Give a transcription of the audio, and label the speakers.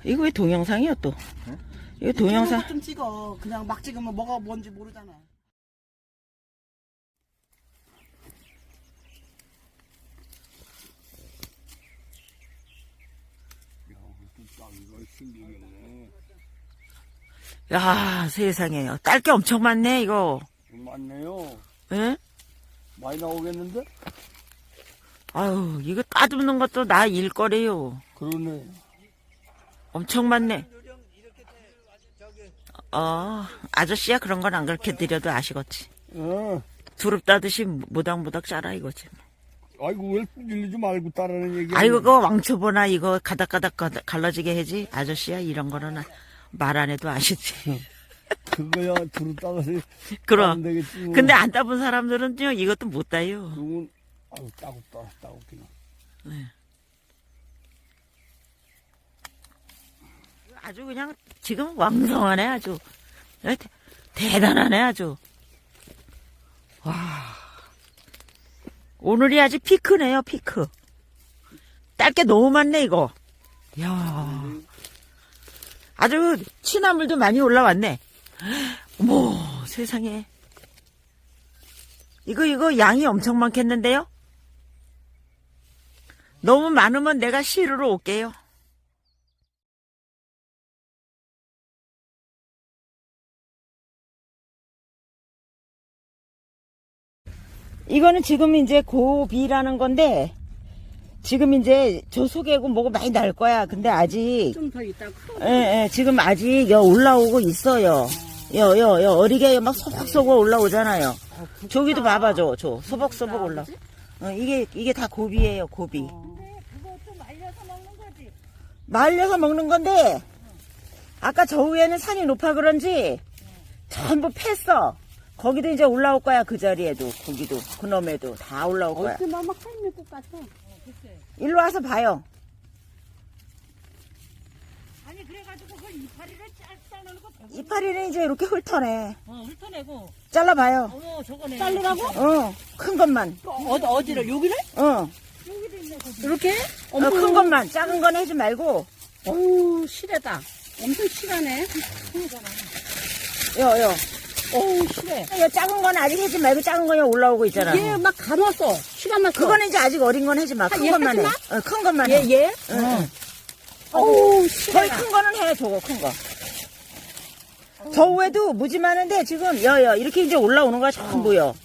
Speaker 1: 이거 왜 동영상이야 또?
Speaker 2: 응?
Speaker 1: 이거 동영상.
Speaker 3: 좀 찍어. 그냥 막 찍으면 뭐가 뭔지 모르잖아.
Speaker 1: 야, 세상에요. 딸 게 엄청 많네, 이거.
Speaker 2: 많네요.
Speaker 1: 예?
Speaker 2: 많이 나오겠는데?
Speaker 1: 아유, 이거 따듬는 것도 나 일거래요.
Speaker 2: 그러네.
Speaker 1: 엄청 많네. 아저씨야 그런 건 안 그렇게 드려도 아시겠지.
Speaker 2: 어.
Speaker 1: 두릅 따듯이 모닥모닥 자라 이거지.
Speaker 2: 아이고, 왜 들리지 말고 따라는 얘기.
Speaker 1: 아이고, 그거 왕초보나 이거 가닥가닥 갈라지게 해지. 아저씨야 이런 거는 말 안 해도 아시지.
Speaker 2: 그거야, 두루 따라서.
Speaker 1: 그럼.
Speaker 2: 따면 되겠지, 뭐.
Speaker 1: 근데 안 따본 사람들은요, 이것도 못 따요.
Speaker 2: 그건, 아유, 따갑긴.
Speaker 1: 네. 아주 그냥 지금 왕성하네, 아주. 대단하네, 아주. 와. 오늘이 아주 피크네요, 피크. 딸 게 너무 많네, 이거. 이야. 아주 취나물도 많이 올라왔네. 어머, 세상에. 이거 양이 엄청 많겠는데요? 너무 많으면 내가 시루로 올게요. 이거는 지금 이제 고비라는 건데, 지금 이제 저 속에고 뭐고 많이 날 거야. 근데 아직,
Speaker 3: 좀 더 있다.
Speaker 1: 지금 아직 올라오고 있어요. 어리게 막 소복소복 올라오잖아요. 저기도 봐봐, 저 소복소복 올라. 이게 다 고비예요, 고비.
Speaker 3: 근데 그것도 말려서 먹는 거지.
Speaker 1: 말려서 먹는 건데, 아까 저 위에는 산이 높아 그런지, 전부 팼어. 거기도 이제 올라올 거야, 그 자리에도. 거기도, 그놈에도 다 올라올 거야.
Speaker 3: 어떻게 막 할매 것 같아.
Speaker 1: 일로 와서 봐요.
Speaker 3: 아니 그래가지고 그걸 이파리를 잘라놓고
Speaker 1: 이파리는 이제 이렇게 훑어내.
Speaker 3: 훑어내고.
Speaker 1: 잘라봐요.
Speaker 3: 어머 저거네. 자르라고?
Speaker 1: 큰 것만.
Speaker 3: 어디를 여기를? 여기도 있네.
Speaker 1: 이렇게? 큰 것만. 작은 건 하지 말고.
Speaker 3: 어우 실하다. 엄청 실하네.
Speaker 1: 요.
Speaker 3: 어우 실해.
Speaker 1: 작은 건 아직 하지 말고 작은 거야 올라오고 있잖아.
Speaker 3: 얘 막 감았어. 실감았어.
Speaker 1: 그거는 이제 아직 어린 건 하지 마. 큰
Speaker 3: 얘
Speaker 1: 것만 해.
Speaker 3: 하지
Speaker 1: 큰 것만 해.
Speaker 3: 얘?
Speaker 1: 응.
Speaker 3: 어우
Speaker 1: 거의
Speaker 3: 실해.
Speaker 1: 큰 거는 해, 저거, 큰 거. 저 위에도 무지 많은데, 지금, 이렇게 이제 올라오는 거야, 전부요.